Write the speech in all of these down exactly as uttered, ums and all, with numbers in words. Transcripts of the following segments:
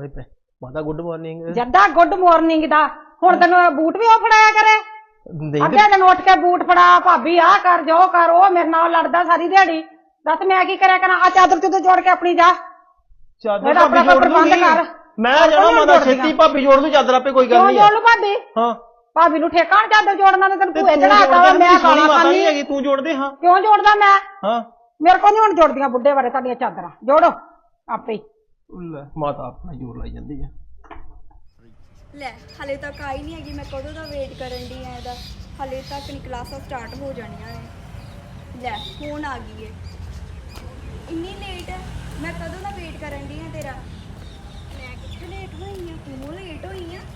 ਆਵੇ ਪੈ ਮਾਤਾ ਗੁੱਡ ਮਾਰਨਿੰਗ ਜੱਦਾ ਗੁੱਡ ਮਾਰਨਿੰਗ ਦਾ ਹੁਣ ਤੈਨੂੰ ਬੂਟ ਵੀ ਉਹ ਫੜਾਇਆ ਕਰੇ ਅੱਗੇ ਦਿਨ ਉੱਠ ਕੇ ਬੂਟ ਫੜਾ ਭਾਬੀ ਆਹ ਕਰ ਜੋ ਕਰ ਉਹ ਮੇਰੇ ਨਾਲ ਲੜਦਾ ਸਾਰੀ ਦਿਹਾੜੀ ਦੱਸ ਮੈਂ ਕੀ ਕਰਿਆ ਕਰਾਂ ਆ ਚਾਦਰ ਚੁੱਦਰ ਜੋੜ ਕੇ ਆਪਣੀ ਜਾ ਚਾਦਰ ਭਾਬੀ ਜੋੜ ਦੂੰਗੀ ਮੈਂ ਜਾਣਾ ਮਾਤਾ ਛੇਤੀ ਭਾਬੀ ਜੋੜ ਦੂੰ ਚਾਦਰ ਆਪੇ ਕੋਈ ਗੱਲ ਨਹੀਂ ਜੋੜ ਲੂ ਭਾਬੀ ਹਾਂ ਭਾਬੀ ਨੂੰ ਠੇਕਾ ਚਾਦਰ ਜੋੜਨਾ ਤੇ ਤੈਨੂੰ ਭੂਏ ਚੜਾਤਾ ਮੈਂ ਗਾਲਾਂ ਖਾਣੀ ਹੈਗੀ ਤੂੰ ਜੋੜਦੇ ਹਾਂ ਕਿਉਂ ਜੋੜਦਾ ਮੈਂ ਹਾਂ ਮੇਰੇ ਕੋਲ ਨਹੀਂ ਹੁਣ ਜੋੜਦੀਆਂ ਬੁੱਢੇ ਬਾਰੇ ਤੁਹਾਡੀਆਂ ਚਾਦਰਾਂ ਜੋੜੋ ਆਪੇ ਲੈ ਮਾਤਾ ਆਪਣਾ ਜੋੜ ਲਾਈ ਜਾਂਦੀ ਆ ਲੈ ਹਲੇ ਤੱਕ ਆਈ ਨਹੀਂ ਹੈਗੀ ਮੈਂ ਕਦੋਂ ਦਾ ਵੇਟ ਕਰਨ ਦੀ ਆ ਇਹਦਾ ਹਲੇ ਤੱਕ ਨਹੀਂ ਕਲਾਸਾਂ ਸਟਾਰਟ ਹੋ ਜਾਣੀਆਂ ਨੇ ਲੈ ਫੋਨ ਆ ਗਈ ਏ ਇੰਨੀ ਲੇਟ ਹੈ ਮੈਂ ਕਦੋਂ ਦਾ ਵੇਟ ਕਰਨ ਦੀ ਆ ਤੇਰਾ ਮੈਂ ਕਿੱਥੇ ਲੇਟ ਹੋਈ ਆ ਤੂੰ ਲੇਟ ਹੋਈ ਆ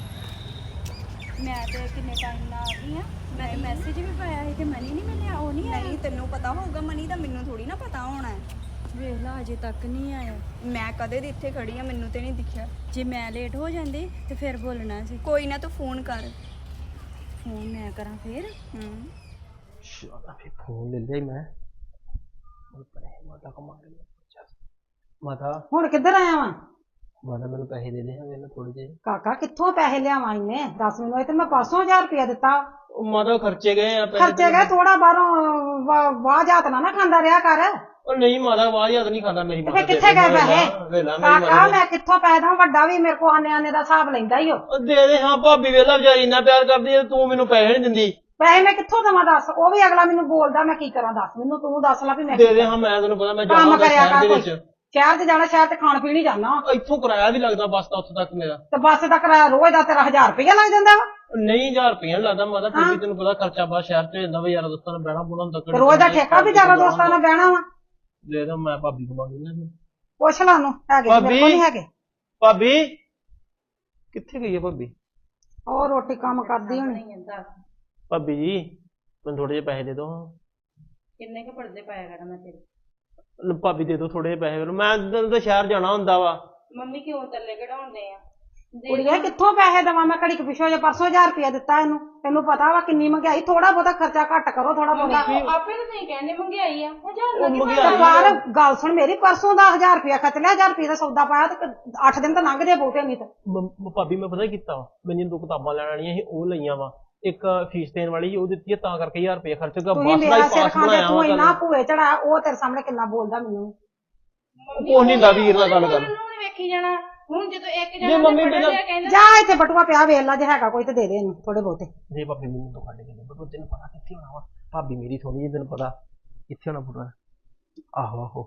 ਮੈਂ ਤੇ ਕਿੰਨੇ ਟਾਈਮ ਨਾਲ ਆ ਗਈ ਆ ਮੈਂ ਤੇ ਮੈਸੇਜ ਵੀ ਪਾਇਆ ਸੀ ਤੇ ਮਨੀ ਨਹੀਂ ਮਿਲਿਆ ਉਹ ਨਹੀਂ ਆਇਆ ਨਹੀਂ ਤੈਨੂੰ ਪਤਾ ਹੋਊਗਾ ਮਨੀ ਦਾ ਮੈਨੂੰ ਥੋੜੀ ਨਾ ਪਤਾ ਹੋਣਾ ਹੈ ਵੇਖ ਲਾ ਅਜੇ ਤੱਕ ਨਹੀਂ ਆਇਆ ਮੈਂ ਕਦੇ ਦੀ ਇੱਥੇ ਖੜੀ ਆ ਮੈਨੂੰ ਤੇ ਨਹੀਂ ਦਿਖਿਆ ਜੇ ਮੈਂ ਲੇਟ ਹੋ ਜਾਂਦੀ ਤੇ ਫਿਰ ਬੋਲਣਾ ਸੀ ਕੋਈ ਨਾ ਤੂੰ ਫੋਨ ਕਰ ਫੋਨ ਮੈਂ ਕਰਾਂ ਫਿਰ ਹੂੰ ਸ਼ਾਲਾ ਫੇ ਫੋਨ ਲੈ ਲਿਆ ਮੈਂ ਉਹ ਪਰੇ ਮਾਤਾ ਕੋ ਮਾਰ ਲਿਆ ਮਾਤਾ ਹੁਣ ਕਿੱਧਰ ਆਇਆ ਵਾਂ ਮਾਤਾ ਮੈਨੂੰ ਪੈਸੇ ਦੇ ਦੇ ਮੈਨੂੰ ਥੋੜੇ ਜਿਹੇ ਕਾਕਾ ਕਿੱਥੋਂ ਪੈਸੇ ਲਿਆਵਾਂ ਇਹਨੇ ਦੱਸ ਮੈਨੂੰ ਇਹ ਤੇ ਮੈਂ ਪਾਸੋਂ ਹਜ਼ਾਰ ਰੁਪਇਆ ਦਿੱਤਾ ਉਹ ਮਾਤਾ ਖਰਚੇ ਗਏ ਆ ਖਰਚੇ ਗਏ ਥੋੜਾ ਬਾਹਰੋਂ ਵਾਹ ਜਾਤ ਨਾ ਨਾ ਖਾਂਦਾ ਰਿਹਾ ਕਰ ਉਹ ਨਹੀਂ ਮਾਤਾ ਵਾਹ ਯਾਦ ਨਹੀਂ ਖਾਂਦਾ ਮੇਰੀ ਮਾਤਾ ਕਿੱਥੇ ਗਏ ਪੈਸੇ ਕਾਕਾ ਮੈਂ ਕਿੱਥੋਂ ਪੈਦਾ ਵੱਡਾ ਵੀ ਮੇਰੇ ਕੋ ਆਨੇ ਆਨੇ ਦਾ ਹਿਸਾਬ ਲੈਂਦਾ ਹੀ ਉਹ ਦੇ ਦੇ ਹਾਂ ਭਾਬੀ ਵੇਲਾ ਵਿਚਾਰੀ ਇੰਨਾ ਪਿਆਰ ਕਰਦੀ ਹੈ ਤੂੰ ਮੈਨੂੰ ਪੈਸੇ ਨਹੀਂ ਦਿੰਦੀ ਪੈਸੇ ਮੈਂ ਕਿੱਥੋਂ ਦੇਵਾਂ ਦੱਸ ਉਹ ਵੀ ਅਗਲਾ ਮੈਨੂੰ ਬੋਲਦਾ ਮੈਂ ਕੀ ਕਰਾਂ ਦੱਸ ਮੈਨੂੰ ਤੂੰ ਦੱਸ ਲੈ ਵੀ ਮੈਂ ਦੇ ਦੇ ਹਾਂ ਮੈਂ ਤੈਨੂੰ ਪਤਾ ਮੈਂ ਕੰਮ ਕਰਿਆ ਕਰ ਦੇ ਕੋਈ ਸ਼ਹਿਰ ਤੇ ਜਾਣਾ ਸ਼ਹਿਰ ਤੇ ਖਾਣ ਪੀਣ ਹੀ ਜਾਣਾ ਇੱਥੋਂ ਕਿਰਾਇਆ ਵੀ ਲੱਗਦਾ ਬੱਸ ਦਾ ਉੱਥੇ ਤੱਕ ਮੇਰਾ ਤੇ ਬੱਸ ਦਾ ਕਿਰਾਇਆ ਰੋਜ਼ ਦਾ ਤੇਰਾ ਹਜ਼ਾਰ ਰੁਪਇਆ ਲੱਗ ਜਾਂਦਾ ਵਾ ਨਹੀਂ ਹਜ਼ਾਰ ਰੁਪਇਆ ਲੱਗਦਾ ਮਾਤਾ ਫਿਰ ਵੀ ਤੈਨੂੰ ਪਤਾ ਖਰਚਾ ਬਾਹਰ ਸ਼ਹਿਰ ਚ ਹੋ ਜਾਂਦਾ ਵਾ ਯਾਰ ਦੋਸਤਾਂ ਨਾਲ ਬਹਿਣਾ ਬੁਣਾ ਹੁੰਦਾ ਰੋਜ਼ ਦਾ ਠੇਕਾ ਵੀ ਜ਼ਿਆਦਾ ਦੋਸਤਾਂ ਨਾਲ ਬਹਿਣਾ ਵਾ ਦੇ ਦੇ ਮੈਂ ਭਾਬੀ ਨੂੰ ਮੰਗ ਲੈਣਾ ਪੁੱਛ ਲਾ ਉਹਨੂੰ ਹੈਗੇ ਮੇਰੇ ਕੋਲ ਨਹੀਂ ਹੈਗੇ ਭਾਬੀ ਕਿੱਥੇ ਗਈ ਹੈ ਭਾਬੀ ਉਹ ਰੋਟੀ ਕੰਮ ਕਰਦੀ ਹੋਣੀ ਭਾਬੀ ਜੀ ਮੈਨੂੰ ਥੋੜੇ ਜਿਹੇ ਪੈਸੇ ਦੇ ਦੋ ਕਿੰਨੇ ਕੁ ਪੜਦੇ ਪਾਇਆ ਕਰ ਮੈਂ ਤੇਰੇ ਭਾਬੀ ਦੇ ਦੋ ਥੋੜੇ ਜਿਹੇ ਪੈਸੇ ਮੈਂ ਤਾਂ ਸ਼ਹਿਰ ਜਾਣਾ ਹੁੰਦਾ ਵਾ ਮੰਮੀ ਕਿਉਂ ਤੱਲੇ ਕਢਾਉਂਦੇ ਆ ਕੁੜੀਏ ਕਿੱਥੋਂ ਪੈਸੇ ਦੇਵਾਂ ਮੈਂ ਘੜੀ ਕੁ ਪਿੱਛੋਂ ਜੇ ਪਰਸੋਂ ਹਜ਼ਾਰ ਰੁਪਇਆ ਦਿੱਤਾ ਇਹਨੂੰ ਤੈਨੂੰ ਪਤਾ ਵਾ ਕਿੰਨੀ ਮਹਿੰਗਾਈ ਥੋੜਾ ਬਹੁਤਾ ਖਰਚਾ ਘੱਟ ਕਰੋ ਥੋੜਾ ਬਹੁਤਾ ਆਪੇ ਤਾਂ ਨਹੀਂ ਕਹਿੰਦੇ ਮਹਿੰਗਾਈ ਆ ਹਜ਼ਾਰ ਬਾਹਰ ਗੱਲ ਸੁਣ ਮੇਰੀ ਪਰਸੋਂ ਦਾ ਹਜ਼ਾਰ ਰੁਪਇਆ ਖਰਚ ਲਿਆ ਹਜ਼ਾਰ ਰੁਪਏ ਦਾ ਸੌਦਾ ਪਾਇਆ ਤੇ ਅੱਠ ਦਿਨ ਤਾਂ ਲੰਘ ਜੇ ਬਹੁਤੇ ਨਹੀਂ ਤਾਂ ਭਾਬੀ ਮੈਂ ਪਤਾ ਕੀਤਾ ਵਾ ਮੈਨੂੰ ਦੋ ਕਿਤਾਬਾਂ ਲੈਣ ਵਾਲੀਆਂ ਸੀ ਉਹ ਲਈਆਂ ਵਾ ਇੱਕ ਫੀਸ ਦੇਣ ਵਾਲੀ ਸੀ ਉਹ ਦਿੱਤੀ ਹੈ ਤਾਂ ਕਰਕੇ ਹਜ਼ਾਰ ਰੁਪਏ ਖਰਚ ਗਿਆ ਬੱਸ ਦਾ ਹੀ ਪਾਸ ਬਣਾਇਆ ਤੂੰ ਇੰਨਾ ਭੂਏ ਚੜਾ ਉਹ ਤੇਰੇ ਸਾਹਮਣੇ ਕਿੰਨਾ ਬੋਲਦਾ ਮੈਨੂੰ ਕੋਈ ਨਹੀਂ ਦਾ ਵੀਰ ਨਾਲ ਗੱਲ ਕਰ ਵੇਖੀ ਜਾਣਾ ਹੁਣ ਜਦੋਂ ਇੱਕ ਜੇ ਮੰਮੀ ਬਿਨਾਂ ਜਾ ਇੱਥੇ ਬਟੂਆ ਪਿਆ ਵੇਖ ਲੈ ਜੇ ਹੈਗਾ ਕੋਈ ਤੇ ਦੇ ਦੇ ਇਹਨੂੰ ਥੋੜੇ ਬਹੁਤੇ ਜੇ ਭਾਬੀ ਮੈਨੂੰ ਤੋਂ ਕੱਢ ਕੇ ਦੇ ਬਟੂਆ ਤੈਨੂੰ ਪਤਾ ਕਿੱਥੇ ਹੋਣਾ ਵਾ ਭਾਬੀ ਮੇਰੀ ਥੋੜੀ ਜਿਹੀ ਤੈਨੂੰ ਪਤਾ ਕਿੱਥੇ ਹੋਣਾ ਬਟੂਆ ਆਹੋ ਆਹੋ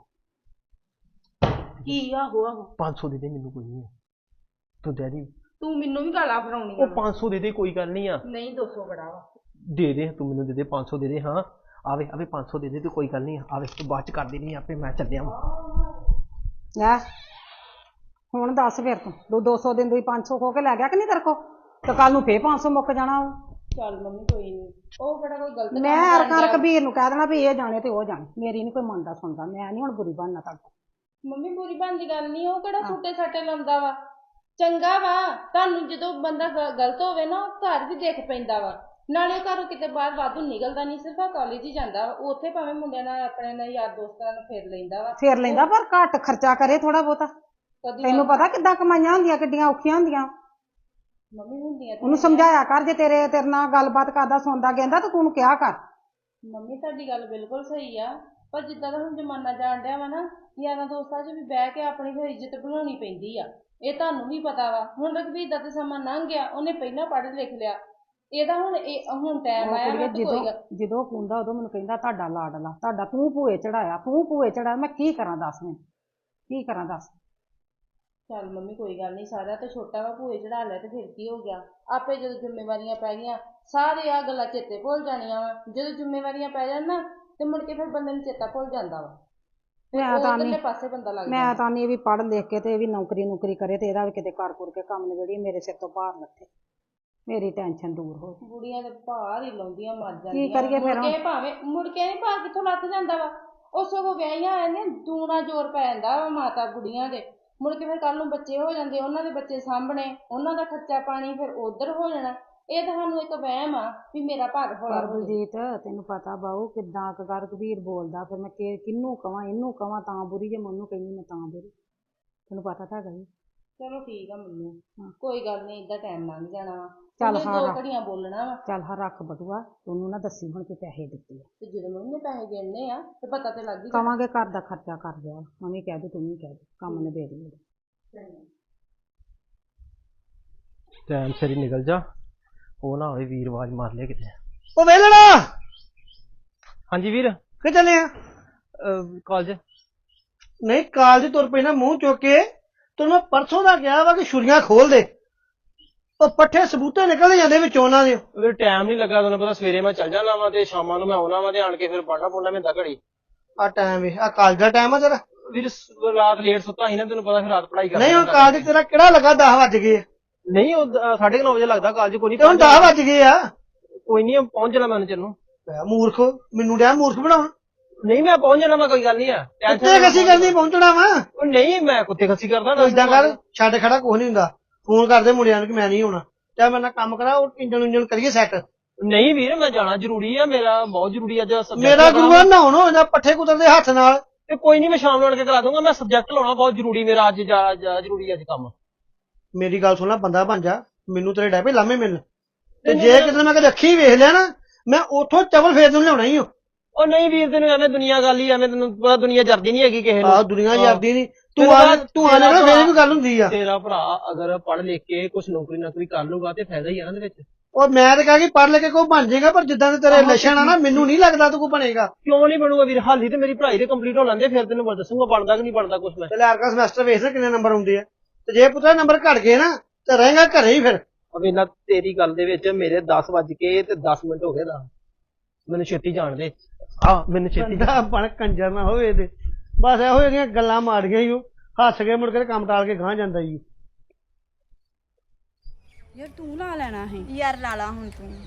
ਕੀ ਆਹੋ ਆਹੋ ਪੰਜ ਸੌ ਦੇ ਦੇ ਮੈਨੂੰ ਕੋਈ ਨਹੀਂ ਤੂੰ ਦੇ ਦੀ ਤੂੰ ਮੈਨੂੰ ਵੀ ਗਾਲਾਂ ਫੜਾਉਣੀ ਉਹ ਪੰਜ ਸੌ ਦੇ ਦੇ ਕੋਈ ਗੱਲ ਨਹੀਂ ਆ ਨਹੀਂ ਦੋ ਸੌ ਬੜਾ ਵਾ ਦੇ ਦੇ ਤੂੰ ਮੈਨੂੰ ਦੇ ਦੇ ਪੰਜ ਸੌ ਦੇ ਦੇ ਹਾਂ ਆਵੇ ਆਵੇ ਪੰਜ ਸੌ ਦੇ ਦੇ ਤੇ ਕੋਈ ਗੱਲ ਨਹੀਂ ਆਵੇ ਤੂੰ ਬਾਅਦ ਚ ਕਰ ਦੇਣੀ ਆਪੇ ਮੈਂ ਚੱਲਿਆ ਵਾਂ ਲੈ ਹੁਣ ਦੱਸ ਫਿਰ ਤੂੰ ਦੋ ਦੋ ਸੌ ਦਿਨ ਦੀ ਪੰਜ ਸੌ ਖੋ ਕੇ ਲੈ ਗਿਆ ਕਿ ਨਹੀਂ ਤੇਰੇ ਕੋ ਤੇ ਕੱਲ ਨੂੰ ਫੇਰ ਪੰਜ ਸੌ ਮੁੱਕ ਜਾਣਾ ਚੱਲ ਮੰਮੀ ਕੋਈ ਨਹੀਂ ਉਹ ਕਿਹੜਾ ਕੋਈ ਗਲਤ ਮੈਂ ਅਰਕਾਰ ਕਬੀਰ ਨੂੰ ਕਹਿ ਦੇਣਾ ਵੀ ਇਹ ਜਾਣੇ ਤੇ ਉਹ ਜਾਣੇ ਮੇਰੀ ਨਹੀਂ ਕੋਈ ਮੰਨਦਾ ਸੁਣਦਾ ਮੈਂ ਨਹੀਂ ਹੁਣ ਬੁਰੀ ਬਣਨਾ ਤੁਹਾਡਾ ਮੰਮੀ ਬੁਰੀ ਬਣਦੀ ਗੱਲ ਨਹੀਂ ਉਹ ਕਿਹੜਾ ਛੋਟੇ ਛਾਟੇ ਲਾਉਂਦਾ ਵਾ ਚੰਗਾ ਵਾ ਤੁਹਾਨੂੰ ਜਦੋਂ ਬੰਦਾ ਗਲਤ ਹੋਵੇ ਨਾ ਘਰ ਵੀ ਦੇਖ ਪੈਂਦਾ ਵਾ ਨਾਲੇ ਘਰੋਂ ਕਿਤੇ ਬਾਹਰ ਵਾਧੂ ਨਿਕਲਦਾ ਨਹੀਂ ਸਿਰਫ ਆ ਕਾਲਜ ਹੀ ਜਾਂਦਾ ਵਾ ਉੱਥੇ ਭਾਵੇਂ ਮੁੰਡਿਆਂ ਨਾਲ ਆਪਣੇ ਨਾਲ ਯਾਰ ਦੋਸਤਾਂ ਨਾਲ ਫੇਰ ਲੈਂਦਾ ਵਾ ਫੇਰ ਲੈਂਦਾ ਪਰ ਘੱਟ ਖਰਚਾ ਕਰੇ ਥੋੜਾ ਬਹੁਤਾ ਤੈਨੂੰ ਪਤਾ ਕਿੱਦਾਂ ਕਮਾਈਆਂ ਹੁੰਦੀਆਂ ਕਿੱਡੀਆਂ ਔਖੀਆਂ ਹੁੰਦੀਆਂ ਮੰਮੀ ਹੁੰਦੀਆਂ ਉਹਨੂੰ ਸਮਝਾਇਆ ਕਰ ਜੇ ਤੇਰੇ ਤੇਰੇ ਨਾਲ ਗੱਲਬਾਤ ਕਰਦਾ ਸੁਣਦਾ ਕਹਿੰਦਾ ਤਾਂ ਤੂੰ ਕਿਹਾ ਕਰ ਮੰਮੀ ਤੁਹਾਡੀ ਗੱਲ ਬਿਲਕੁਲ ਸਹੀ ਆ ਪਰ ਜਿੱਦਾਂ ਦਾ ਹੁਣ ਜ਼ਮਾਨਾ ਜਾਣ ਡਿਆ ਵਾ ਨਾ ਯਾਰਾਂ ਦੋਸਤਾਂ 'ਚ ਵੀ ਬਹਿ ਕੇ ਆਪਣੀ ਫਿਰ ਇੱਜ਼ਤ ਬਣਾਉਣੀ ਪੈਂਦੀ ਆ ਇਹ ਤੁਹਾਨੂੰ ਵੀ ਪਤਾ ਵਾ ਹੁਣ ਰਘਬੀਰ ਦਾ ਤੇ ਸਮਾਂ ਲੰਘ ਗਿਆ ਉਹਨੇ ਪਹਿਲਾਂ ਪੜ੍ਹ ਲਿਖ ਲਿਆ ਇਹਦਾ ਹੁਣ ਇਹ ਹੁਣ ਟਾਈਮ ਆਇਆ ਜਦੋਂ ਜਦੋਂ ਕੁੰਦਾ ਉਦੋਂ ਮੈਨੂੰ ਕਹਿੰਦਾ ਤੁਹਾਡਾ ਲਾਡਲਾ ਤੁਹਾਡਾ ਤੂੰ ਭੂਏ ਚੜਾਇਆ ਤੂੰ ਭੂਏ ਚੜਾਇਆ ਮੈਂ ਕੀ ਕਰਾਂ ਦੱਸ ਮੈਂ ਕੀ ਕਰਾਂ ਦੱਸ ਚੱਲ ਮੰਮੀ ਕੋਈ ਗੱਲ ਨਹੀਂ ਸਾਰਿਆਂ ਤੋਂ ਛੋਟਾ ਵਾ ਭੂਏ ਚੜਾ ਲਿਆ ਤੇ ਫਿਰ ਕੀ ਹੋ ਗਿਆ ਆਪੇ ਜਦੋਂ ਜ਼ਿੰਮੇਵਾਰੀਆਂ ਪੈ ਗਈਆਂ ਸਾਰੇ ਆ ਗੱਲਾਂ ਚੇਤੇ ਭੁੱਲ ਜਾਣੀਆਂ ਵਾ ਜਦੋਂ ਜ਼ਿੰਮੇਵਾਰੀਆਂ ਪੈ ਜਾਣ ਨਾ ਤੇ ਮੁੜ ਕੇ ਫਿਰ ਬੰਦੇ ਨੂੰ ਚੇਤਾ ਭੁੱਲ ਜਾਂਦਾ ਵਾ ਮੈਂ ਤਾਂ ਨਹੀਂ ਪਾਸੇ ਬੰਦਾ ਲੱਗ ਮੈਂ ਤਾਂ ਨਹੀਂ ਵੀ ਪੜ੍ਹ ਲਿਖ ਕੇ ਤੇ ਇਹ ਵੀ ਨੌਕਰੀ ਨੌਕਰੀ ਕਰੇ ਤੇ ਇਹਦਾ ਵੀ ਕਿਤੇ ਕਰ ਕੁਰ ਕੇ ਕੰਮ ਨਿਬੜੀ ਮੇਰੇ ਸਿਰ ਤੋਂ ਭਾਰ ਲੱਥੇ ਮੇਰੀ ਟੈਨਸ਼ਨ ਦੂਰ ਹੋ ਬੁੜੀਆਂ ਦੇ ਭਾਰ ਹੀ ਲਾਉਂਦੀਆਂ ਮਰ ਜਾਂਦੀਆਂ ਕੀ ਕਰੀਏ ਫਿਰ ਮੁੜ ਕੇ ਭਾਵੇਂ ਮੁੜ ਕੇ ਨਹੀਂ ਭਾਰ ਕਿੱਥੋਂ ਲੱਥ ਜਾਂਦਾ ਵਾ ਉਹ ਸਗੋਂ ਵਿਆਹੀਆਂ ਆਏ ਨੇ ਦੂਣਾ ਜ਼ੋਰ ਪੈ ਜਾਂਦਾ ਵਾ ਮਾਤਾ ਬੁੜੀਆਂ ਦੇ ਮੁੜ ਕੇ ਫਿਰ ਕੱਲ ਨੂੰ ਬੱਚੇ ਹੋ ਜਾਂਦੇ ਉਹਨਾਂ ਦੇ ਬੱਚੇ ਸਾਂਭਣੇ ਉਹਨਾਂ ਦਾ ਖਰਚਾ ਪਾਣੀ ਫਿਰ ਉਧਰ ਹੋ ਜਾਣਾ ਇਹ ਤਾਂ ਸਾਨੂੰ ਇੱਕ ਵਹਿਮ ਆ ਵੀ ਮੇਰਾ ਭਾਰ ਹੌਲਾ ਹੋ ਬਲਜੀਤ ਤੈਨੂੰ ਪਤਾ ਬਾਊ ਕਿੱਦਾਂ ਕਰ ਕਬੀਰ ਬੋਲਦਾ ਫਿਰ ਮੈਂ ਕਿਹਨੂੰ ਕਵਾਂ ਇਹਨੂੰ ਕਵਾਂ ਤਾਂ ਬੁਰੀ ਜੇ ਮੈਨੂੰ ਕਹਿੰਦੀ ਮੈਂ ਤਾਂ ਬੁਰੀ ਤੈਨੂੰ ਪਤਾ ਤਾਂ ਹੈਗਾ ਜੀ ਚਲੋ ਠੀਕ ਆ ਮੰਮੀ, ਕੋਈ ਗੱਲ ਨਹੀਂ, ਏਦਾਂ ਟਾਈਮ ਲੰਘ ਜਾਣਾ ਵਾ। ਚੱਲ ਉਹਨੇ ਹਾਂ ਦੋ ਰੱਖ। ਘੜੀਆਂ ਬੋਲਣਾ ਵਾ ਚੱਲ ਹਾਂ ਰੱਖ ਬਟੂਆ, ਉਹਨੂੰ ਨਾ ਦੱਸੀ ਹੁਣ ਕਿ ਪੈਸੇ ਦਿੱਤੇ ਆ। ਤੇ ਜਦੋਂ ਮੰਮੀ ਨੇ ਪੈਸੇ ਗਿਣਨੇ ਆ ਤੇ ਪਤਾ ਤੇ ਲੱਗ ਹੀ ਜਾਣਾ। ਕਵਾਂਗੇ ਘਰ ਦਾ ਖਰਚਾ ਕਰ ਦਿਆ, ਮੰਮੀ ਕਹਿ ਦੇ, ਤੂੰ ਵੀ ਕਹਿ ਦੇ, ਕੰਮ ਨਿਬੇੜ ਲਈ। ਟਾਈਮ ਸਿਰ ਹੀ ਨਿਕਲ ਜਾ, ਉਹ ਨਾ ਹੋਵੇ ਵੀਰ ਆਵਾਜ਼ ਮਾਰ ਲਿਆ ਕਿਤੇ। ਉਹ ਵੇਲਣਾ ਹਾਂਜੀ ਵੀਰ। ਕਿ ਚੱਲੇ ਆ? ਕਾਲਜ। ਨਹੀਂ ਕਾਲਜ ਤੁਰ ਪਈ ਨਾ ਮੂੰਹ ਚੁੱਕ ਕੇ, ਤੈਨੂੰ ਮੈਂ ਪਰਸੋਂ ਦਾ ਕਿਹਾ ਵਾ ਕਿ ਛੁਰੀਆਂ ਖੋਲ ਦੇ। ਉਹ ਪੱਠੇ ਸਬੂਤੇ ਨਿਕਲ ਜਾਂਦੇ ਵਿੱਚੋਂ ਉਹਨਾਂ ਦੇ। ਵੀਰ ਟਾਈਮ ਨਹੀਂ ਲੱਗਾ, ਤੁਹਾਨੂੰ ਪਤਾ ਸਵੇਰੇ ਮੈਂ ਚੱਲ ਜਾਣਾ ਵਾ ਤੇ ਸ਼ਾਮਾਂ ਨੂੰ ਮੈਂ ਆਉਣਾ ਵਾ ਤੇ ਆਣ ਕੇ ਫਿਰ ਪੜਨਾ ਪੜਨਾ ਮਿੰਦਾ ਘੜੀ। ਆ ਟਾਈਮ ਵੇ, ਆ ਕਾਲਜ ਦਾ ਟਾਈਮ ਆ ਤੇਰਾ? ਵੀਰ ਸ- ਰਾਤ ਲੇਟ ਸੁੱਤਾ ਸੀ ਨਾ, ਤੈਨੂੰ ਪਤਾ ਫਿਰ ਰਾਤ ਪੜਾਈ ਕਰਦਾ। ਨਹੀਂ ਹੁਣ ਕਾਲਜ ਤੇਰਾ ਕਿਹੜਾ ਲੱਗਾ? ਦਸ ਵੱਜ ਗਏ ਆ। ਨਹੀਂ ਉਹ ਦ- ਸਾਢੇ ਕੁ ਨੌ ਵਜੇ ਲੱਗਦਾ ਕਾਲਜ। ਕੋਈ ਤੇ ਹੁਣ ਨਹੀਂ ਦਸ ਵੱਜ ਗਏ ਆ। ਕੋਈ ਨਹੀਂ ਪਹੁੰਚ ਜਾਣਾ ਮੈਂ ਚੰਨੂ। ਮੈਂ ਮੂਰਖ, ਮੈਨੂੰ ਡਿਆ ਮੂਰਖ ਬਣਾਉਣ। ਨਹੀਂ ਮੈਂ ਪਹੁੰਚ ਜਾਣਾ, ਮੈਂ ਕੋਈ ਗੱਲ ਨਹੀਂ ਆ। ਕੁੱਤੇ ਖੱਸੀ ਕਰਨੀ ਪਹੁੰਚਣਾ ਵਾ। ਉਹ ਨਹੀਂ ਮੈਂ ਕੁੱਤੇ ਖੱਸੀ ਕਰਦਾ ਤੂੰ ਏਦਾਂ ਕਰ, ਛੱਡ ਖੜਾ ਕੁਛ ਨਹੀਂ ਹੁੰਦਾ, ਫੋਨ ਕਰਦੇ ਮੁੰਡਿਆਂ ਨੂੰ ਕਿ ਮੈਂ ਨਹੀਂ ਆਉਣਾ, ਚਾਹੇ ਮੇਰੇ ਨਾਲ ਕੰਮ ਕਰਾ, ਉਹ ਇੰਜਣ ਇੰਜਣ ਕਰੀਏ ਸੈੱਟ। ਨਹੀਂ ਵੀਰ ਮੈਂ ਜਾਣਾ ਜ਼ਰੂਰੀ ਆ, ਮੇਰਾ ਬਹੁਤ ਜ਼ਰੂਰੀ ਅੱਜ subject ਮੇਰਾ ਕਰਾਉਣਾ। ਗੁਰੂਆ ਨਹਾਉਣ ਹੋ ਜਾਂਦਾ ਪੱਠੇ ਕੁਤਰਦੇ ਹੱਥ ਨਾਲ। ਤੇ ਕੋਈ ਨਹੀਂ ਮੈਂ ਸ਼ਾਮ ਨੂੰ ਆਣ ਕੇ ਕਰਾ ਦੂੰਗਾ, ਮੈਂ ਸਬਜੈਕਟ ਲਾਉਣਾ ਬਹੁਤ ਜ਼ਰੂਰੀ ਮੇਰਾ ਅੱਜ ਜਾ ਜਾ ਜ਼ਰੂਰੀ ਅੱਜ ਕੰਮ। ਮੇਰੀ ਗੱਲ ਸੁਣ ਲੈ, ਬੰਦਾ ਬਣ ਜਾ, ਮੈਨੂੰ ਤੇਰੇ ਡੈਪੇ ਲਾਮੇ ਮਿਲਣ। ਤੇ ਜੇ ਕਿਤੇ ਮੈਂ ਕਦੇ ਅੱਖੀ ਵੇਖ ਲਿਆ ਨਾ, ਮੈਂ ਉੱਥੋਂ ਚਵਲ ਫੇਰ ਨੂੰ ਲਿਆਉਣਾ ਹੀ ਹੋ। ਉਹ ਨਹੀਂ ਵੀਰ ਤੈਨੂੰ ਐਵੇਂ ਦੁਨੀਆ ਗੱਲ ਹੀ ਐਵੇਂ, ਤੈਨੂੰ ਪਤਾ ਦੁਨੀਆ ਜਰਦੀ ਨਹੀਂ ਹੈਗੀ ਕਿਸੇ ਨੂੰ। ਆਹ ਦੁਨੀਆ ਜਰਦੀ ਨਹੀਂ, ਤੂੰ ਤੇਰਾ ਆ ਤੂੰ ਆ ਨਾ ਭਰਾ- ਫੇਰ ਵੀ ਗੱਲ ਹੁੰਦੀ ਆ। ਤੇਰਾ ਭਰਾ ਅਗਰ ਪੜ੍ਹ ਲਿਖ ਕੇ ਕੁਛ ਨੌਕਰੀ ਨਾਕਰੀ ਕਰ ਲੂਗਾ ਤੇ ਫਾਇਦਾ ਹੀ ਆ ਨਾ ਇਹਦੇ ਵਿੱਚ। ਔਰ ਮੈਂ ਤਾਂ ਕਹਾਂ ਕਿ ਪੜ੍ਹ ਲੈ ਕੇ ਕੋਈ ਬਣ ਜਾਏਗਾ, ਪਰ ਜਿੱਦਾਂ ਦੇ ਤੇਰੇ ਲੱਛਣ ਆ ਨਾ, ਮੈਨੂੰ ਨਹੀਂ ਲੱਗਦਾ ਤੂੰ ਕੋਈ ਬਣੇਗਾ। ਕਿਉਂ ਨਹੀਂ ਬਣੂਗਾ ਵੀਰ? ਹਾਲੀ ਤੇ ਮੇਰੀ ਪੜ੍ਹਾਈ ਤੇ ਕੰਪਲੀਟ ਹੋ ਲੈਂਦੇ, ਫਿਰ ਤੈਨੂੰ ਮੈਂ ਦੱਸੂਗਾ ਬਣਦਾ ਕਿ ਨਹੀਂ ਬਣਦਾ ਕੁਛ ਮੈਂ। ਤੇ ਲੈਰਕਾ ਸਮੈਸਟਰ ਵੇਖ ਲੈ ਕਿੰਨੇ ਨੰਬਰ ਆਉਂਦੇ ਆ, ਤੇ ਜੇ ਪੁੱਤਰਾ ਨੰਬਰ ਘਟ ਗਏ ਨਾ ਤੇ ਰਹੇਗਾ ਘਰੇ ਹੀ ਫਿਰ। ਅਵੇਲਾ ਤੇਰੀ ਗੱਲ ਦੇ ਵਿੱਚ ਮੇਰੇ ਦਸ ਵੱਜ ਕੇ ਤੇ ਦਸ ਮਿੰਟ ਹੋ ਗਏ ਦਾ, ਮੈਨੂੰ ਛੇਤੀ ਜਾਣ ਦੇ। ਆ ਮੈਨੂੰ ਛੇਤੀ ਬੰਦਾ ਬਣ ਕੰਜਰ ਨਾ ਹੋਵੇ ਤੇ ਬਸ ਇਹੋ ਜਿਹੀਆਂ ਗੱਲਾਂ ਮਾਰੀਆਂ ਹੀ ਉਹ, ਹੱਸ ਕੇ ਮੁੜ ਕੇ ਤੇ ਕੰਮ ਟਾਲ ਕੇ ਗਾਂ ਜਾਂਦਾ ਹੀ। ਯਾਰ ਤੂੰ ਲਾ ਲੈਣਾ ਹੈ। ਯਾਰ ਲਾ ਲਾ ਹੁਣ ਤੂੰ।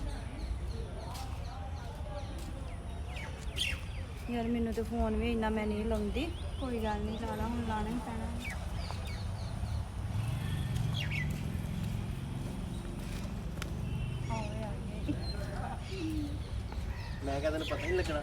ਯਾਰ ਮੈਨੂੰ ਤੇ ਫੋਨ ਵੀ ਇੰਨਾ ਮੈਂ ਨਹੀਂ ਲਾਉਂਦੀ। ਕੋਈ ਗੱਲ ਨਹੀਂ, ਲਾ ਲਾ ਹੁਣ, ਲਾਣਾ ਹੀ ਪੈਣਾ। ਮੈਂ ਕਿਹਾ ਤੈਨੂੰ ਪਤਾ ਨਹੀਂ ਲੱਗਣਾ।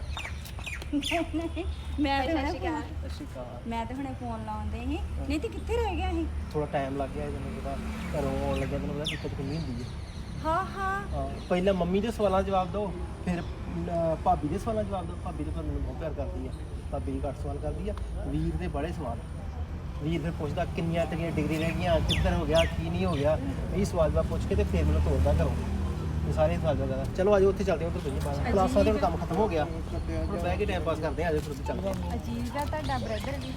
ਮੈਂ ਤੇ ਹੁਣੇ ਮੈਂ ਤੇ ਹੁਣੇ ਫੋਨ ਲਾਉਂਦੇ ਸੀ, ਨਹੀਂ ਤੇ ਕਿੱਥੇ ਰਹਿ ਗਿਆ ਸੀ? ਥੋੜਾ ਟਾਈਮ ਲੱਗ ਗਿਆ ਤੈਨੂੰ ਪਤਾ, ਘਰੋਂ ਆਉਣ ਲੱਗਿਆ ਤੈਨੂੰ ਪਤਾ ਦਿੱਕਤ ਕਿੰਨੀ ਹੁੰਦੀ ਹੈ। ਹਾਂ ਹਾਂ ਹਾਂ ਪਹਿਲਾਂ ਮੰਮੀ ਦੇ ਸਵਾਲਾਂ ਦਾ ਜਵਾਬ ਦਿਓ, ਫਿਰ ਅਹ, ਭਾਬੀ ਦੇ ਸਵਾਲਾਂ ਦਾ ਜਵਾਬ ਦਿਓ। ਭਾਬੀ ਤਾਂ ਮੈਨੂੰ ਬਹੁਤ ਪਿਆਰ ਕਰਦੀ ਆ, ਭਾਬੀ ਘੱਟ ਸਵਾਲ ਕਰਦੀ ਆ। ਵੀਰ ਦੇ ਬੜੇ ਸਵਾਲ, ਵੀਰ ਫਿਰ ਪੁੱਛਦਾ ਕਿੰਨੀਆਂ ਤੇਰੀਆਂ ਡਿਗਰੀ ਰਹਿ ਗਈਆਂ, ਕਿੱਧਰ ਹੋ ਗਿਆ, ਕੀ ਨਹੀਂ ਹੋ ਗਿਆ, ਇਹ ਸਵਾਲ ਜਵਾਬ ਪੁੱਛ ਕੇ ਤੇ ਫਿਰ ਮੈਨੂੰ ਤੋੜਦਾ ਘਰੋਂ। ਇਹ ਸਾਰੇ ਸਵਾਲ ਜਵਾਬ। ਚਲੋ ਆਜੋ ਉੱਥੇ ਚੱਲਦੇ ਹਾਂ, ਉੱਧਰ ਬਈਏ ਬਾਹਰ ਕਲਾਸਾਂ ਦੇ ਹੁਣ ਕੰਮ ਖਤਮ ਹੋ ਗਿਆ, ਹੁਣ ਬਹਿ ਕੇ ਟਾਈਮ ਪਾਸ ਕਰਦੇ ਆ। ਆਜੋ ਫਿਰ ਉੱਥੇ ਚੱਲਦੇ ਹਾਂ। ਅਜੀਜ਼ ਦਾ ਤੁਹਾਡਾ ਬ੍ਰਦਰ ਵੀ।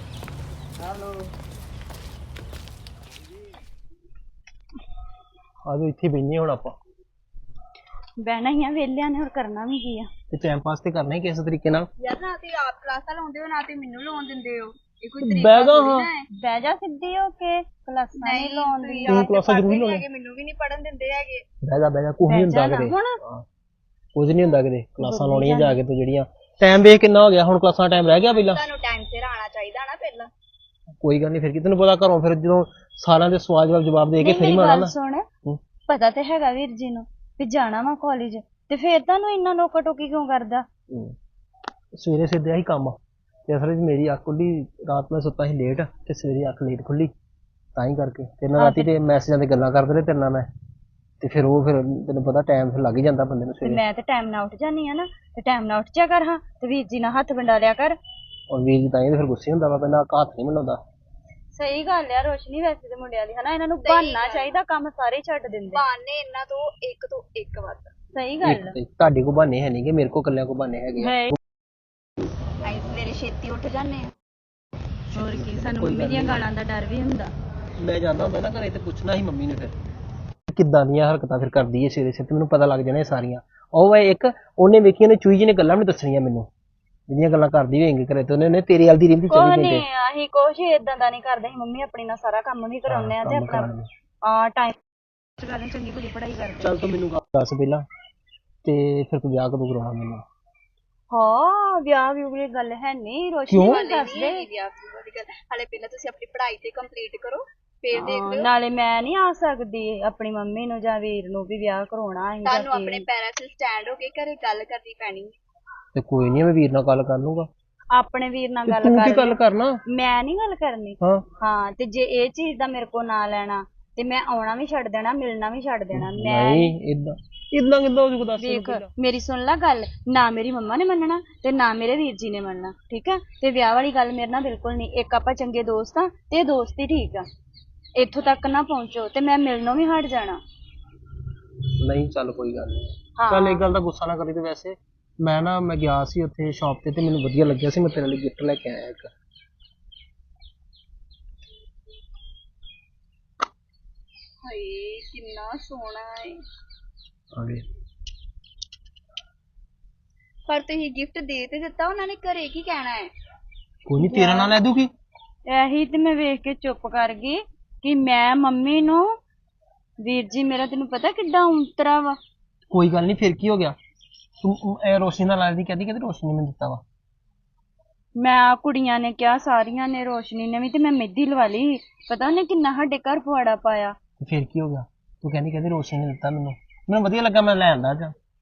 ਆਜੋ ਇੱਥੇ ਬੈਠੇ ਹੁਣ ਆਪਾਂ, ਬਹਿਣਾ ਹੀ ਆ, ਵਿਹਲਿਆਂ ਨੇ ਹੋਰ ਕਰਨਾ ਵੀ ਕੀ ਆ। ਤੇ ਟਾਈਮ ਪਾਸ ਤੇ ਕਰਨਾ ਹੀ ਕਿਸੇ ਤਰੀਕੇ ਨਾਲ। ਯਾਰ ਨਾ ਤੇ ਆਪ ਕਲਾਸਾਂ ਲਾਉਂਦੇ ਹੋ, ਨਾ ਤੇ ਮੈਨੂੰ ਲਾਉਣ ਦਿੰਦੇ ਹੋ। ਇਹ ਕੋਈ ਤਰੀਕਾ ਬਹਿ ਜਾ ਥੋੜ੍ਹੀ ਹਾਂ। ਨਾ ਹੈ। ਬਹਿ ਜਾ ਸਿੱਧੀ ਹੋ ਕੇ, ਕਲਾਸਾਂ ਨਹੀਂ ਲਾਉਂਦੀ। ਤੂੰ ਕਲਾਸਾਂ ਜ਼ਰੂਰ ਲਾਉਣੀ। ਮੈਨੂੰ ਵੀ ਨਹੀਂ ਪੜਨ ਦਿੰਦੇ ਹੈਗੇ। ਬਹਿ ਜਾ ਬਹਿ ਜਾ, ਕੁਝ ਨਹੀਂ ਹੁੰਦਾ ਕਿਤੇ, ਹੁਣ ਕੁਝ ਨਹੀਂ ਹੁੰਦਾ ਕਿਤੇ। ਕਲਾਸਾਂ ਲਾਉਣੀਆਂ ਜਾ ਕੇ ਤੂੰ ਜਿਹੜੀਆਂ। ਟਾਈਮ ਵੇਖ ਕਿੰਨਾ ਹੋ ਗਿਆ, ਹੁਣ ਕਲਾਸਾਂ ਟਾਈਮ ਰਹਿ ਗਿਆ ਪਹਿਲਾਂ। ਤੁਹਾਨੂੰ ਟਾਈਮ ਸਿਰ ਆਣਾ ਚਾਹੀਦਾ ਨਾ ਪਹਿਲਾਂ। ਕੋਈ ਗੱਲ ਨਹੀਂ, ਫਿਰ ਕੀ ਤੈਨੂੰ ਪਤਾ ਘਰੋਂ ਫਿਰ ਜਦੋਂ ਸਾਰਿਆਂ ਦੇ ਸਵਾਲ ਜਵਾਬ ਜਵਾਬ ਦੇ ਕੇ ਫਿਰ ਹੀ ਮਾਰਨਾ ਨਾ। ਸੁਣ, ਹੂੰ। ਪਤਾ ਤੇ ਹੈਗਾ ਵੀਰ ਜੀ ਨੂੰ ਵੀ ਜਾਣਾ ਵਾ ਕਾਲਜ, ਤੇ ਫਿਰ ਤੁਹਾਨੂੰ ਇੰਨਾ ਨੋਕਾ ਟੋਕੀ ਕਿਉਂ ਕਰਦਾ? ਹੂੰ। ਸਵੇਰੇ ਸਿੱਧੇ ਆਹੀ ਕੰਮ ਤੇ ਅਸਲ ਵਿੱਚ ਮੇਰੀ ਅੱਖ ਖੁੱਲੀ, ਰਾਤ ਮੈਂ ਸੁੱਤਾ ਸੀ ਲੇਟ ਤੇ ਸਵੇਰੇ ਅੱਖ ਲੇਟ ਖੁੱਲੀ, ਤਾਂ ਹੀ ਕਰਕੇ ਤੇ ਨਾ ਰਾਤੀ ਤੇ ਮੈਸੇਜਾਂ ਤੇ ਗੱਲਾਂ ਕਰਦੇ ਰਹੇ ਤੇਰੇ ਨਾਲ ਮੈਂ, ਤੇ ਫਿਰ ਉਹ ਫਿਰ ਤੈਨੂੰ ਪਤਾ ਟਾਈਮ ਫਿਰ ਲੱਗ ਹੀ ਜਾਂਦਾ ਬੰਦੇ ਨੂੰ ਤੇ ਸਵੇਰੇ। ਮੈਂ ਤੇ ਟਾਈਮ ਨਾਲ ਉੱਠ ਜਾਨੀ ਆ ਨਾ, ਤੇ ਟਾਈਮ ਨਾਲ ਉੱਠ ਜਾ ਕਰ ਹਾਂ, ਤੇ ਵੀਰ ਜੀ ਨਾਲ ਹੱਥ ਵੰਡਾ ਲਿਆ ਕਰ। ਔਰ ਵੀਰ ਜੀ ਤਾਂ ਇਹ ਫਿਰ ਗੁੱਸੇ ਹੁੰਦਾ ਵਾ, ਪਹਿਲਾਂ ਹੱਥ ਨਹੀਂ ਮਿਲਾਉਂਦਾ। ਸਹੀ ਗੱਲ ਆ ਰੋਸ਼ਨੀ, ਵੈਸੇ ਤੇ ਮੁੰਡਿਆਂ ਦੀ ਹਨਾ, ਇਹਨਾਂ ਨੂੰ ਬਹਾਨਾ ਚਾਹੀਦਾ, ਕੰਮ ਸਾਰੇ ਛੱਡ ਦਿੰਦੇ। ਬਹਾਨੇ ਇਹਨਾਂ ਤੋਂ ਇੱਕ ਤੋਂ ਇੱਕ ਵੱਧ। ਸਹੀ ਗੱਲ ਇੱਕ ਤੇ ਤੁਹਾਡੇ ਕੋਲ ਬਹਾਨੇ ਹੈ ਨਹੀਂ ਕਿ ਮੇਰੇ ਕੋਲ ਇਕੱਲਿਆਂ ਕੋਲ ਬਹਾਨੇ ਹੈਗੇ ਆ। ਹੈ। ਅਸੀਂ ਸਵੇਰੇ ਛੇਤੀ ਉੱਠ ਜਾਂਦੇ ਆ, ਹੋਰ ਕੀ, ਸਾਨੂੰ ਮੰਮੀ ਦੀਆਂ ਗਾਲਾਂ ਦਾ ਡਰ ਵੀ ਹੁੰਦਾ। ਮੈਂ ਜਾਂਦਾ ਹੁੰਦਾ ਨਾ ਘਰੇ ਤੇ ਪੁੱਛਣਾ ਸੀ ਮੰਮੀ ਨੇ ਫਿਰ ਕਿੱਦਾਂ ਦੀਆਂ ਹਰਕਤਾਂ ਫਿਰ ਕਰਦੀ ਹੈ ਸਵੇਰੇ ਸਵੇਰੇ, ਮੈਨੂੰ ਪਤਾ ਲੱਗ ਜਾਣਾ ਇਹ ਸਾਰੀਆਂ। ਉਹ ਵਾ ਇੱਕ ਉਹਨੇ ਵੇਖੀਆਂ ਨੇ ਚੂਈ ਜੀ ਨੇ ਗੱਲਾਂ ਵੀ ਦੱਸਣੀਆਂ ਮੈਨੂੰ, ਜਿਹੜੀਆਂ ਗੱਲਾਂ ਕਰਦੀ ਹੋਏਗੀ ਘਰੇ, ਤੇ ਉਹਨੇ ਤੇਰੇ ਵਾਲ ਦੀ ਰਿੰਦੀ ਚਲੀ ਕੋਈ ਗਈ। ਨਹੀਂ, ਅਸੀਂ ਕੁਛ ਏਦਾਂ ਦਾ ਨਹੀਂ ਕਰਦੇ, ਅਸੀਂ ਮੰਮੀ ਆਪਣੀ ਨਾਲ ਸਾਰਾ ਕੰਮ ਵੀ ਕਰਾਉਂਦੇ ਆ ਤੇ ਆਪਣਾ ਆ ਟਾਈਮ ਚੰਗੀ ਚੰਗੀ ਪੂਰੀ ਪੜ੍ਹਾਈ ਕਰਦੇ। ਚੱਲ ਤੂੰ ਮੈਨੂੰ ਦੱਸ ਪਹਿਲਾਂ, ਤੇ ਫਿਰ ਤੂੰ ਵਿਆਹ ਕਦੋਂ ਕਰਾਉਣਾ ਮੈਨੂੰ? ਹਾਂ ਵਿਆਹ ਵੀ ਕੋਈ ਗੱਲ ਹੈ ਨਹੀਂ, ਰੋਸ਼ਨੀ ਨੂੰ ਦੱਸ ਦੇ। ਵਿਆਹ ਦੀ ਗੱਲ ਹਾਲੇ ਪਹਿਲਾਂ ਤੁਸੀਂ ਆਪਣੀ ਪੜ੍ਹਾਈ ਤੇ ਕੰਪਲੀਟ ਕਰੋ, ਫੇਰ ਦੇਖ ਲਿਓ। ਨਾਲੇ ਮੈਂ ਨਹੀਂ ਆ ਸਕਦੀ ਆਪਣੀ ਮੰਮੀ ਨੂੰ ਜਾਂ ਵੀਰ ਨੂੰ ਵੀ ਵਿਆਹ ਕਰਾਉਣਾ ਹੈ। ਤੁਹਾਨੂੰ ਆਪਣੇ ਪੈਰਾਂ 'ਤੇ ਸਟੈਂਡ ਹੋ ਕੇ ਘਰੇ ਗੱਲ ਕਰਨੀ ਪੈਣੀ। ਤੇ ਕੋਈ ਨਹੀਂ, ਮੈਂ ਵੀਰ ਨਾਲ ਗੱਲ ਕਰ ਲੂੰਗਾ। ਆਪਣੇ ਵੀਰ ਨਾਲ ਤੇ ਗੱਲ ਤੂੰ ਕੀ ਕਰ ਗੱਲ ਲਿਓ। ਕਰਨਾ? ਮੈਂ ਨਹੀਂ ਗੱਲ ਕਰਨੀ। ਹਾਂ ਹਾਂ ਤੇ ਜੇ ਇਹ ਚੀਜ਼ ਦਾ ਮੇਰੇ ਕੋਲ ਨਾ ਲੈਣਾ ਤੇ ਮੈਂ ਆਉਣਾ ਵੀ ਛੱਡ ਦੇਣਾ, ਮਿਲਣਾ ਵੀ ਛੱਡ ਦੇਣਾ। ਮੈਂ ਨਹੀਂ ਇਦਾਂ ਇਦਾਂ ਕਿੱਦਾਂ ਹੋ ਜੂਗਾ ਦੱਸ ਮੈਨੂੰ ਵੇਖ ਪਹਿਲਾਂ। ਮੇਰੀ ਸੁਣ ਲੈ ਗੱਲ, ਨਾ ਮੇਰੀ ਮੰਮਾ ਨੇ ਮੰਨਣਾ ਤੇ ਨਾ ਮੇਰੇ ਵੀਰ ਜੀ ਨੇ ਮੰਨਣਾ, ਠੀਕ ਆ। ਤੇ ਵਿਆਹ ਵਾਲੀ ਗੱਲ ਮੇਰੇ ਨਾਲ ਬਿਲਕੁਲ ਨਹੀਂ। ਇੱਕ ਆਪਾਂ ਚੰਗੇ ਦੋਸਤ ਆ ਤੇ ਇਹ ਦੋਸਤ ਹੀ ਠੀਕ ਆ। ਇੱਥੋਂ ਤੱਕ ਨਾ ਪਹੁੰਚੋ ਤੇ ਮੈਂ ਮਿਲਣੋਂ ਵੀ ਹਟ ਜਾਣਾ। ਨਹੀਂ ਚੱਲ ਕੋਈ ਗੱਲ ਨਹੀਂ। ਹਾਂ। ਚੱਲ ਇੱਕ ਗੱਲ ਦਾ ਗੁੱਸਾ ਨਾ ਕਰੀ। ਤੇ ਵੈਸੇ ਮੈਂ ਨਾ ਮੈਂ ਗਿਆ ਸੀ ਉੱਥੇ ਸ਼ਾਪ ਤੇ ਤੇ ਮੈਨੂੰ ਵਧੀਆ ਲੱਗਿਆ ਸੀ। ਮੈਂ ਤੇਰੇ ਲਈ ਗਿਫਟ ਲੈ ਕੇ ਆਇਆ ਇੱਕ। ਹਾਏ ਕਿੰਨਾ ਸੋਹਣਾ ਹੈ। ਆ ਗਏ। ਪਰ ਤੁਸੀਂ ਗਿਫਟ ਦੇ ਤੇ ਦਿੱਤਾ, ਉਹਨਾਂ ਨੇ ਘਰੇ ਕੀ ਕਹਿਣਾ ਹੈ? ਕੋਈ ਨਹੀਂ ਤੇਰਾ ਨਾਂ ਲੈ ਦੂਗੀ। ਇਹੀ ਤੇ ਮੈਂ ਵੇਖ ਕੇ ਚੁੱਪ ਕਰ ਗਈ ਕਿ ਮੈਂ ਮੰਮੀ ਨੂੰ, ਵੀਰ ਜੀ ਮੇਰਾ ਤੈਨੂੰ ਪਤਾ ਕਿੱਡਾ ਉਂਤਰਾ ਵਾ। ਕੋਈ ਗੱਲ ਨਹੀਂ, ਫਿਰ ਕੀ ਹੋ ਗਿਆ? ਤੂੰ ਇਹ ਰੋਸ਼ਨੀ ਨਾਲ ਲੱਗਦੀ ਕਹਿੰਦੀ ਕਹਿੰਦੀ ਰੋਸ਼ਨੀ ਨੇ ਦਿੱਤਾ ਵਾ। ਮੈਂ ਕੁੜੀਆਂ ਨੇ ਕਿਹਾ ਸਾਰੀਆਂ ਨੇ, ਰੋਸ਼ਨੀ ਨੇ ਵੀ, ਤੇ ਮੈਂ ਮਹਿੰਦੀ ਲਵਾ ਲਈ। ਪਤਾ ਉਹਨੇ ਕਿੰਨਾ ਸਾਡੇ ਘਰ ਪਵਾੜਾ ਪਾਇਆ। ਤੇ ਫਿਰ ਕੀ ਹੋ ਗਿਆ? ਤੂੰ ਕਹਿੰਦੀ ਕਹਿੰਦੀ ਰੋਸ਼ਨੀ ਨੇ ਦਿੱਤਾ ਮੈਨੂੰ। ਮੈਨੂੰ ਵਧੀਆ ਲੱਗਾ, ਮੈਂ ਲੈ ਆਂਦਾ ਅੱਜ।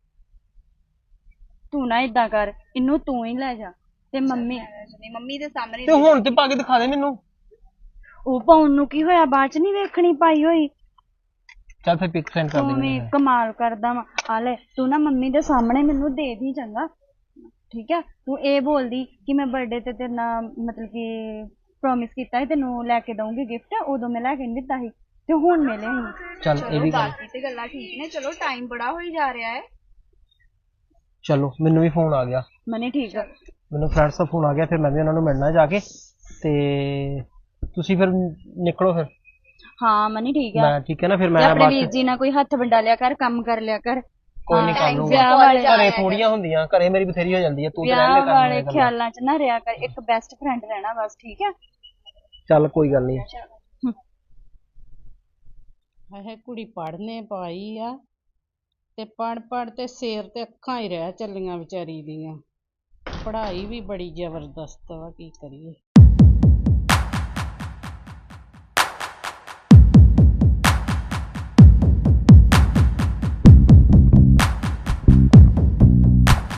ਤੂੰ ਨਾ ਏਦਾਂ ਕਰ, ਇਹਨੂੰ ਤੂੰ ਹੀ ਲੈ ਜਾ ਤੇ ਮੰਮੀ ਮੰਮੀ ਦੇ ਸਾਹਮਣੇ ਤੇ ਹੁਣ ਤੇ ਪਾ ਕੇ ਦਿਖਾ ਦੇ ਮੈਨੂੰ। ਉਹ ਪਾਉਣ ਨੂੰ ਕੀ ਹੋਇਆ, ਬਾਅਦ ਚ ਨਹੀਂ ਵੇਖਣੀ ਪਾਈ ਹੋਈ। ਚੱਲ ਫਿਰ ਪਿਕ ਸੈਂਡ ਕਰ ਦੇ ਤੂੰ ਵੀ ਮੈਨੂੰ। ਕਮਾਲ ਕਰਦਾ ਵਾ। ਆ ਲੈ ਤੂੰ ਨਾ ਮੰਮੀ ਦੇ ਸਾਹਮਣੇ ਮੈਨੂੰ ਦੇ ਦੀ, ਚੰਗਾ ਠੀਕ ਹੈ। ਤੂੰ ਇਹ ਬੋਲਦੀ ਕਿ ਮੈਂ ਬਰਥਡੇ ਤੇ ਤੇਰੇ ਨਾਲ ਮਤਲਬ ਕਿ ਪ੍ਰੋਮਿਸ ਕੀਤਾ ਸੀ ਤੈਨੂੰ ਲੈ ਕੇ ਦਊਂਗੀ ਗਿਫਟ, ਉਦੋਂ ਮੈਂ ਲੈ ਕੇ ਨਹੀਂ ਦਿੱਤਾ ਸੀ ਤੇ ਹੁਣ ਮਿਲੇ ਸੀ। ਚੱਲ ਇਹ ਵੀ ਗੱਲ। ਬਾਕੀ ਤੇ ਗੱਲਾਂ ਠੀਕ ਨੇ, ਚਲੋ ਟਾਈਮ ਬੜਾ ਹੋਈ ਜਾ ਰਿਹਾ ਹੈ। ਚਲੋ ਮੈਨੂੰ ਵੀ ਫੋਨ ਆ ਗਿਆ। ਮਨੀ ਠੀਕ ਆ। ਮੈਨੂੰ ਫਰੈਂਡਸ ਦਾ ਫੋਨ ਆ ਗਿਆ, ਫਿਰ ਮੈਂ ਵੀ ਉਹਨਾਂ ਨੂੰ ਮਿਲਣਾ ਜਾ ਕੇ। ਤੇ ਤੁਸੀਂ ਫਿਰ ਨਿਕਲੋ ਫਿਰ। ਹਾਂ ਮਨੀ ਠੀਕ ਆ। ਮੈਂ ਠੀਕ ਹੈ ਨਾ, ਫਿਰ ਤੇ ਮੈਂ ਆਪਣੇ ਬਾਅਦ ਵੀਰ ਚ ਜੀ ਨਾਲ ਕੋਈ ਹੱਥ ਵੰਡਾ ਲਿਆ ਕਰ, ਕੰਮ ਕਰ ਲਿਆ ਕਰ। ਕੋਈ ਨਹੀਂ ਕਰ ਵਿਆਹ ਲੂੰਗਾ। ਵਾਲੇ ਘਰੇ ਥੋੜੀਆਂ ਹੁੰਦੀਆਂ, ਘਰੇ ਮੇਰੀ ਬਥੇਰੀ ਹੋ ਜਾਂਦੀ ਹੈ। ਤੂੰ ਤੇ ਰਹਿ ਵਿਆਹ ਲੈ ਵਾਲੇ ਕਰ। ਖਿਆਲਾਂ ਚ ਨਾ ਰਿਹਾ ਕਰ, ਇੱਕ ਬੈਸਟ ਫਰੈਂਡ ਰਹਿਣਾ ਬਸ, ਠੀਕ ਹੈ। ਚੱਲ ਕੋਈ ਗੱਲ ਨਹੀਂ। ਇਹ ਕੁੜੀ ਪੜ੍ਹਨੇ ਪਾਈ ਆ ਤੇ ਪੜ੍ਹ ਪੜ੍ਹ ਤੇ ਸਿਰ ਤੇ ਅੱਖਾਂ ਹੀ ਰਹਿ ਚੱਲੀਆਂ ਵਿਚਾਰੀ ਦੀਆਂ। ਪੜ੍ਹਾਈ ਵੀ ਬੜੀ ਜ਼ਬਰਦਸਤ ਵਾ, ਕੀ ਕਰੀਏ।